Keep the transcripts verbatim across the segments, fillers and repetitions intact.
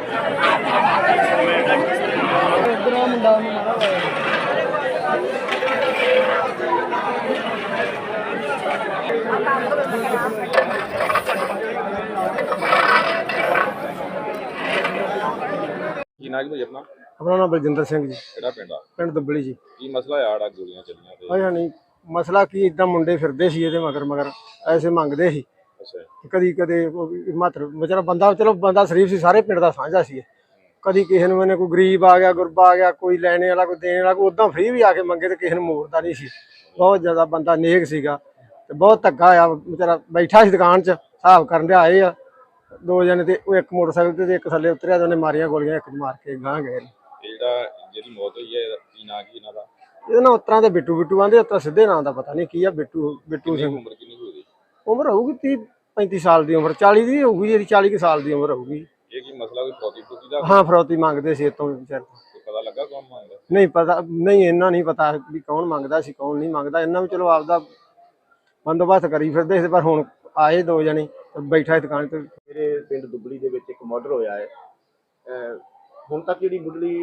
ਕੀ ਨਾਂ ਜੀ ਭਾਈ ਆਪਣਾ? अपना नाम बलजिंदर सिंह जी। ਕਿਹੜਾ ਪਿੰਡ ਆ? पिंड दुबली जी। ਕੀ ਮਸਲਾ ਆ ਆੜਾ ਗੋਲੀਆਂ ਚੱਲੀਆਂ ਤੇ? अच्छा नहीं मसला की इदा मुंडे फिरदे सी इहदे मगर मगर ऐसे मंगदे सी ਅੱਛਾ कदी कदे मात्र बेचारा बंदा चलो बंदा शरीफ सी सारे पिंड दा साझा सी कदी किसी नूं मैंने कोई गरीब आ गया गुरबा आ गया कोई लैने वाला कोई देने वाला कोई उदां फ्री भी आके मंगे तो किसी नूं मोड़दा नहीं सी। बहुत ज़्यादा बंदा नेक सीगा ते बहुत धक्का आ बेचारा बैठा सी दुकान च हिसाब करन दे आए आ दो जने ते ओह इक मोटरसाइकिल ते इक थल्ले उतरिया ते उन्हें मारियां गोलियां एक मार के गांह गए। ਇਹ ਜਿਹੜਾ ਜਿਹੜੀ ਮੌਤ ਹੋਈ ਹੈ ਕੀ ਨਾਂ ਕੀ ਇਹਨਾਂ ਦਾ? ਇਹਦਾ ਨਾਂ ਉਤਰਾਂ ਦੇ ਬਿੱਟੂ ਬਿੱਟੂ ਆਂਦੇ ਉਤਰਾਂ ਸਿੱਧੇ ਨਾਂ ਦਾ ਪਤਾ ਨਹੀਂ ਕੀ ਆ ਬਿੱਟੂ ਬਿੱਟੂ ਸਿੰਘ। ਉਮਰ ਕਿੰਨੀ ਕੁ ਹੋਈ? ਉਮਰ ਹੋਊਗੀ ਤੀਹ ਪੈਂਤੀ ਸਾਲ ਦੀ ਉਮਰ ਚਾਲੀ ਦੀ ਹੋਊਗੀ ਇਹਦੀ ਚਾਲੀ ਕੁ ਸਾਲ ਦੀ ਉਮਰ ਹੋਊਗੀ। ਇਹ ਕੀ ਮਸਲਾ ਕੋਈ ਫੌਜੀ ਫੂਜੀ ਦਾ? ਹਾਂ ਫਰੌਤੀ ਮੰਗਦੇ ਸੀ ਇਤੋਂ ਵਿਚਾਰ ਪਤਾ ਲੱਗਾ ਕੌਣ ਮੰਗਦਾ? ਨਹੀਂ ਪਤਾ ਨਹੀਂ ਇੰਨਾ ਨਹੀਂ ਪਤਾ ਵੀ ਕੌਣ ਮੰਗਦਾ ਸੀ ਕੌਣ ਨਹੀਂ ਮੰਗਦਾ ਇਹਨਾਂ ਵੀ ਚਲੋ ਆਪਦਾ ਬੰਦੋਬਸਤ ਕਰੀ ਫਿਰਦੇ ਸੀ ਪਰ ਹੁਣ ਆਏ ਦੋ ਜਣੇ ਬੈਠਾ ਦੁਕਾਨ ਤੇ। ਮੇਰੇ ਪਿੰਡ ਦੁਬਲੀ ਦੇ ਵਿੱਚ ਇੱਕ ਮਰਡਰ ਹੋਇਆ ਹੈ। ਹੁਣ ਤੱਕ ਜਿਹੜੀ ਮੁੱਢਲੀ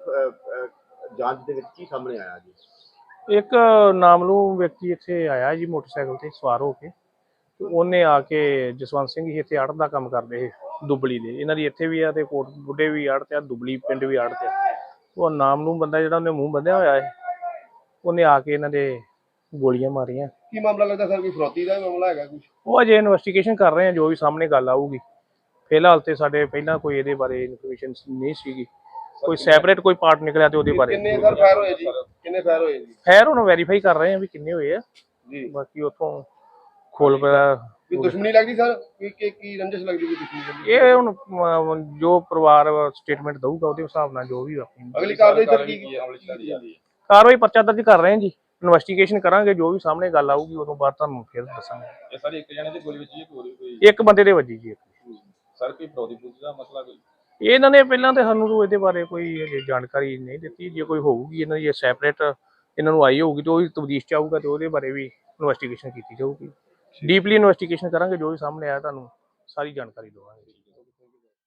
ਜਾਂਚ ਦੇ ਵਿੱਚ ਕੀ ਸਾਹਮਣੇ ਆਇਆ ਜੀ? ਇੱਕ ਨਾਮਲੂਮ ਵਿਅਕਤੀ ਇੱਥੇ ਆਇਆ ਜੀ ਮੋਟਰਸਾਈਕਲ ਤੇ ਸਵਾਰ ਹੋ ਕੇ ਤੇ ਉਹਨੇ ਆ ਕੇ ਜਸਵੰਤ ਸਿੰਘ ਜੀ ਇੱਥੇ ਆੜਤ ਦਾ ਕੰਮ ਕਰਦੇ ਸੀ ਦੁਬਲੀ ਦੇ। ਇਹਨਾਂ ਦੀ ਇੱਥੇ ਵੀ ਆ ਤੇ ਕੋਟ ਬੁੱਢੇ ਵੀ ਆੜਤ ਆ ਦੁਬਲੀ ਪਿੰਡ ਵੀ ਆੜਤ ਆ। ਉਹ ਨਾਮਲੂਮ ਬੰਦਾ ਜਿਹੜਾ ਉਹਨੇ ਮੂੰਹ ਬੰਨਿਆ ਹੋਇਆ ਹੈ ਉਹਨੇ ਆ ਕੇ ਇਹਨਾਂ ਦੇ ਗੋਲੀਆਂ ਮਾਰੀਆਂ। ਕੀ ਮਾਮਲਾ ਲੱਗਦਾ ਸਰ? ਕੋਈ ਫਰੌਤੀ ਦਾ ਮਾਮਲਾ ਹੈਗਾ ਕੁਝ? ਉਹ ਅਜੇ ਇਨਵੈਸਟੀਗੇਸ਼ਨ ਕਰ ਰਹੇ ਆ ਜੋ ਵੀ ਸਾਹਮਣੇ ਗੱਲ ਆਊਗੀ। ਫਿਲਹਾਲ ਤੇ ਸਾਡੇ ਪਹਿਲਾਂ ਕੋਈ ਇਹਦੇ ਬਾਰੇ ਇਨਫੋਰਮੇਸ਼ਨ ਨਹੀਂ ਸੀਗੀ। ਕੋਈ ਸੈਪਰੇਟ ਕੋਈ ਪਾਰਟ ਨਿਕਲਿਆ ਤੇ ਉਹਦੇ ਬਾਰੇ ਕਿੰਨੇ ਸਰ ਫਾਇਰ ਹੋਏ ਜੀ? ਕਿੰਨੇ ਫਾਇਰ ਹੋਏ ਜੀ? ਖੈਰ ਹੁਣ ਵੈਰੀਫਾਈ ਕਰ ਰਹੇ ਆ ਵੀ ਕਿੰਨੇ ਹੋਏ ਆ ਜੀ। ਬਾਕੀ ਉੱਥੋਂ ਖੋਲ ਪਿਆ ਵੀ ਦੁਸ਼ਮਣੀ ਲੱਗਦੀ ਸਰ? ਕੀ ਕੀ ਰੰਜਿਸ਼ ਲੱਗਦੀ ਕੋਈ ਦੁਸ਼ਮਣੀ? ਇਹ ਹੁਣ ਅਮ, ਜੋ ਪਰਿਵਾਰ ਸਟੇਟਮੈਂਟ ਦਊਗਾ ਉਹਦੇ ਹਿਸਾਬ ਨਾਲ ਜੋ ਵੀ ਆਪਣੀ ਅਗਲੀ ਕਾਰਵਾਈ ਸਰ ਕੀ ਕੀ? ਕਾਰਵਾਈ ਪਰਚਾ ਦਰਜ ਕਰ ਰਹੇ ਹਾਂ ਜੀ। ਇਨਵੈਸਟੀਗੇਸ਼ਨ ਕਰਾਂਗੇ ਜੋ ਵੀ ਸਾਹਮਣੇ ਗੱਲ ਆਊਗੀ ਉਦੋਂ ਬਾਅਦ ਤੁਹਾਨੂੰ ਫਿਰ ਦੱਸਾਂਗੇ। ਇਹ ਸਾਰੇ ਇੱਕ ਜਣੇ ਦੀ ਗੋਲੀ ਵੱਜੀ ਹੈ ਕੋਈ ਕੋਈ? ਇੱਕ ਬੰਦੇ ਦੇ ਵੱਜੀ ਜੀ। ਸਰ ਕੋਈ ਫੌਜੀ ਫੂਜੀ ਦਾ ਮਸਲਾ ਕੋਈ? ਇਹਨਾਂ ਨੇ ਪਹਿਲਾਂ ਤੇ ਸਾਨੂੰ ਇਹਦੇ ਬਾਰੇ ਕੋਈ ਹਜੇ ਜਾਣਕਾਰੀ ਨਹੀਂ ਦਿੱਤੀ। ਜੇ ਕੋਈ ਹੋਊਗੀ ਇਹਨਾਂ ਦੀ ਸੈਪਰੇਟ ਇਹਨਾਂ ਨੂੰ ਆਈ ਹੋਊਗੀ ਤੇ ਉਹ ਤਬਦੀਸ਼ ਚ ਆਊਗਾ ਤੇ ਉਹਦੇ ਬਾਰੇ ਵੀ ਇਨਵੈਸਟੀਗੇਸ਼ਨ ਕੀਤੀ ਜਾਊਗੀ। ਡੀਪਲੀ ਇਨਵੈਸਟੀਗੇਸ਼ਨ ਕਰਾਂਗੇ ਜੋ ਵੀ ਸਾਹਮਣੇ ਆਇਆ ਤੁਹਾਨੂੰ ਸਾਰੀ ਜਾਣਕਾਰੀ ਦੇਵਾਂਗੇ।